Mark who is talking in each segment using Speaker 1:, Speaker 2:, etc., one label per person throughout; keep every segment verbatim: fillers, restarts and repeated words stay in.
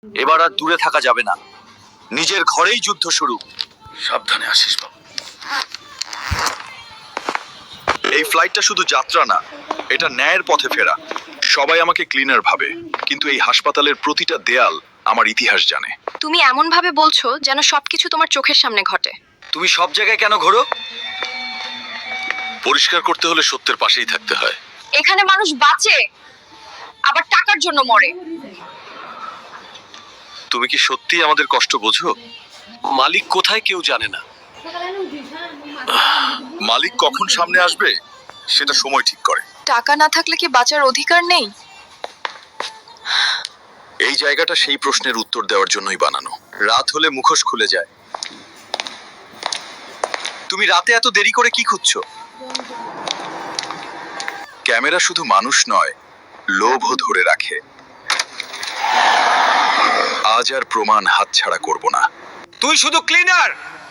Speaker 1: এবার আর দূরে থাকা যাবে না, নিজের ঘরেই যুদ্ধ শুরু।
Speaker 2: সাবধানে আসিস বাবু।
Speaker 1: এই ফ্লাইটটা শুধু যাত্রা না, এটা ন্যায়ের পথে ফেরা। সবাই আমাকে ক্লিনার ভাবে, কিন্তু এই হাসপাতালের প্রতিটা দেয়াল আমার ইতিহাস জানে।
Speaker 3: তুমি এমন ভাবে বলছো যেন সবকিছু তোমার চোখের সামনে ঘটে।
Speaker 1: তুমি সব জায়গায় কেন ঘোরো? পরিষ্কার করতে হলে সত্যের পাশেই থাকতে হয়।
Speaker 3: এখানে মানুষ বাঁচে, আবার টাকার জন্য মরে।
Speaker 1: তুমি কি সত্যি আমাদের কষ্ট বোঝো? মালিক কোথায় কেউ জানে না। মালিক কখন সামনে আসবে সেটা সময় ঠিক করে।
Speaker 3: টাকা না থাকলে কি বাঁচার অধিকার নেই?
Speaker 1: এই জায়গাটা সেই প্রশ্নের উত্তর দেওয়ার জন্যই বানানো। রাত হলে মুখোশ খুলে যায়। তুমি রাতে এত দেরি করে কি খুঁজছো? ক্যামেরা শুধু মানুষ নয়, লোভও ধরে রাখে। আজ আর প্রমাণ হাতছাড়া করব না।
Speaker 2: তুই শুধু ক্লিনার।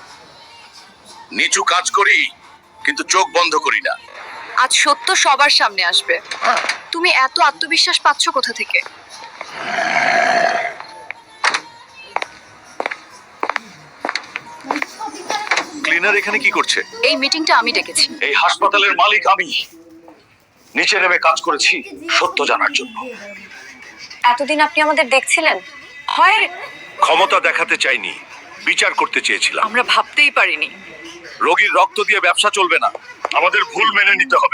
Speaker 2: নিচু কাজ করি, কিন্তু চোখ বন্ধ করি না।
Speaker 3: আজ সত্য সবার সামনে আসবে। তুমি এত আত্মবিশ্বাস পাচ্ছ কোথা থেকে?
Speaker 1: ক্লিনার এখানে কি করছে?
Speaker 3: এই মিটিংটা আমি ডেকেছি।
Speaker 2: এই হাসপাতালের মালিক আমি। নিচে নেমে কাজ করেছি সত্য জানার জন্য।
Speaker 3: এতদিন আপনি আমাদের দেখছিলেন? হয়
Speaker 2: ক্ষমতা দেখাতে চাইনি, বিচার করতে চেয়েছিলাম।
Speaker 3: আমরা ভাবতেই পারিনি।
Speaker 2: রোগীর রক্ত দিয়ে ব্যবসা চলবে না, আমাদের ভুল মেনে নিতে হবে।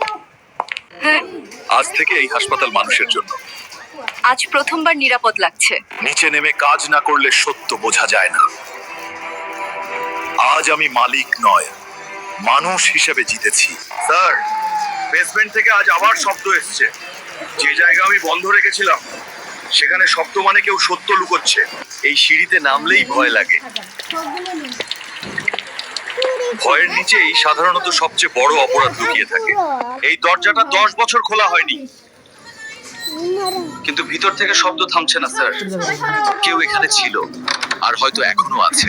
Speaker 1: আজ থেকে এই হাসপাতাল মানুষের জন্য।
Speaker 3: আজ প্রথমবার নিরাপদ লাগছে।
Speaker 1: নিচে নেমে কাজ না করলে সত্য বোঝা যায় না। আজ আমি মালিক নয়, মানুষ হিসেবে জিতেছি।
Speaker 2: স্যার, বেসমেন্ট থেকে আজ আবার শব্দ এসছে। যে জায়গা আমি বন্ধ রেখেছিলাম সেখানে শব্দ মানে কেউ সত্য লুকোচ্ছে।
Speaker 1: এই সিঁড়িতে নামলেই ভয় লাগে। ভয়ের নিচেই সাধারণত সবচেয়ে বড় অপরাধ লুকিয়ে থাকে। এই দরজাটা দশ বছর খোলা হয়নি, কিন্তু ভিতর থেকে শব্দ থামছে না স্যার। কেউ এখানে ছিল, আর হয়তো এখনো আছে।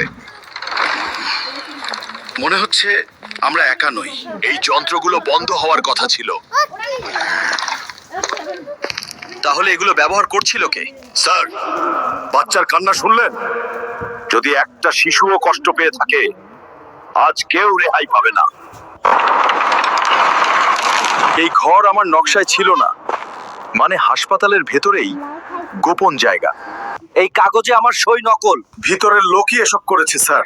Speaker 2: মনে হচ্ছে আমরা একা নই।
Speaker 1: এই যন্ত্রগুলো বন্ধ হওয়ার কথা ছিল। তাহলে এগুলো ব্যবহার করছিল কে?
Speaker 2: স্যার, বাচ্চার কান্না শুনলেন? যদি একটা শিশুও কষ্ট পেয়ে থাকে, আজ কেউ রেহাই পাবে না।
Speaker 1: এই ঘর আমার নকশায় ছিল না, মানে হাসপাতালের ভেতরেই গোপন জায়গা। এই কাগজে আমার সই নকল।
Speaker 2: ভিতরের লোকই এসব করেছে স্যার।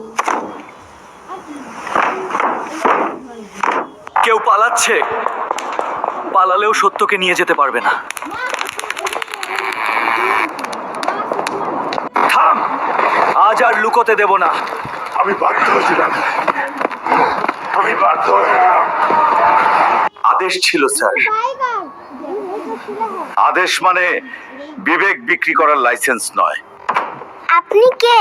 Speaker 4: কেউ পালাচ্ছে, পালালেও সত্যকে নিয়ে যেতে পারবে না। থাম, আজ আর লুকোতে দেব না।
Speaker 2: আমি বাধ্য হয়েছিলাম, আমি বাধ্য হয়েছিলাম।
Speaker 1: আদেশ ছিল স্যার।
Speaker 2: আদেশ মানে বিবেক বিক্রি করার লাইসেন্স নয়।
Speaker 5: আপনি কে?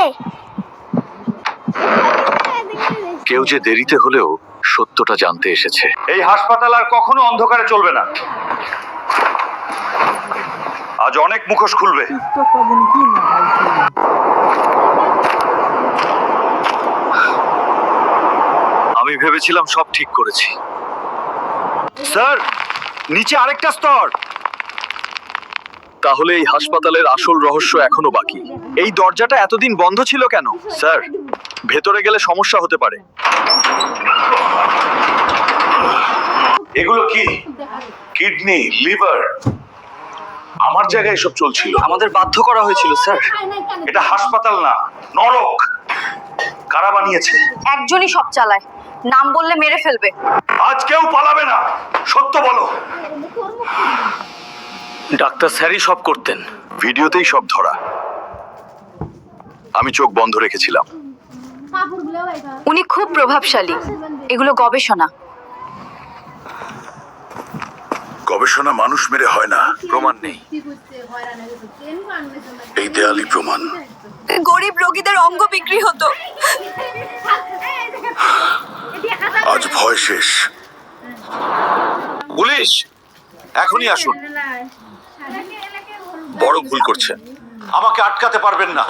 Speaker 1: কেউ যে দেরিতে হলেও সত্যটা জানতে এসেছে।
Speaker 2: এই হাসপাতাল আর কখনো অন্ধকারে চলবে না। আজ অনেক মুখোশ খুলবে।
Speaker 1: আমি ভেবেছিলাম সব ঠিক করেছি।
Speaker 2: স্যার, নিচে আরেকটা স্তর।
Speaker 1: তাহলে এই হাসপাতালের আসল রহস্য এখনো বাকি। এই দরজাটা এতদিন বন্ধ ছিল কেন? স্যার, ভেতরে গেলে সমস্যা হতে পারে।
Speaker 2: এগুলো কি? Kidney, liver. আমার জায়গায় এসব চলছিল।
Speaker 4: আমাদের বাধ্য করা হয়েছিল স্যার।
Speaker 2: এটা হাসপাতাল না, নরক। কারা বানিয়েছে?
Speaker 3: একজনই সব চালায়, নাম বললে মেরে ফেলবে।
Speaker 2: আজ কেউ পালাবে না, সত্য বলো।
Speaker 4: ডাক্তার স্যারই সব করতেন।
Speaker 1: ভিডিওতেই সব ধরা। আমি চোখ বন্ধ রেখেছিলাম।
Speaker 3: উনি খুব প্রভাবশালী। এগুলো গবেষণা।
Speaker 2: গবেষণা মানুষ মেরে হয় না।
Speaker 1: প্রমাণ নেই।
Speaker 2: এই দেয়ালই প্রমাণ।
Speaker 3: গরিব রোগীদের অঙ্গ বিক্রি হতো।
Speaker 2: আজ ভয় শেষ।
Speaker 1: পুলিশ, এখনই আসুন। বড় ভুল করছেন।
Speaker 2: আমাকে আটকাতে পারবেন না।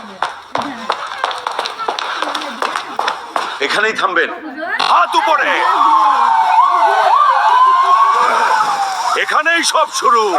Speaker 2: এখানেই থামবেন। হাত উপরে। এখানেই সব শুরু।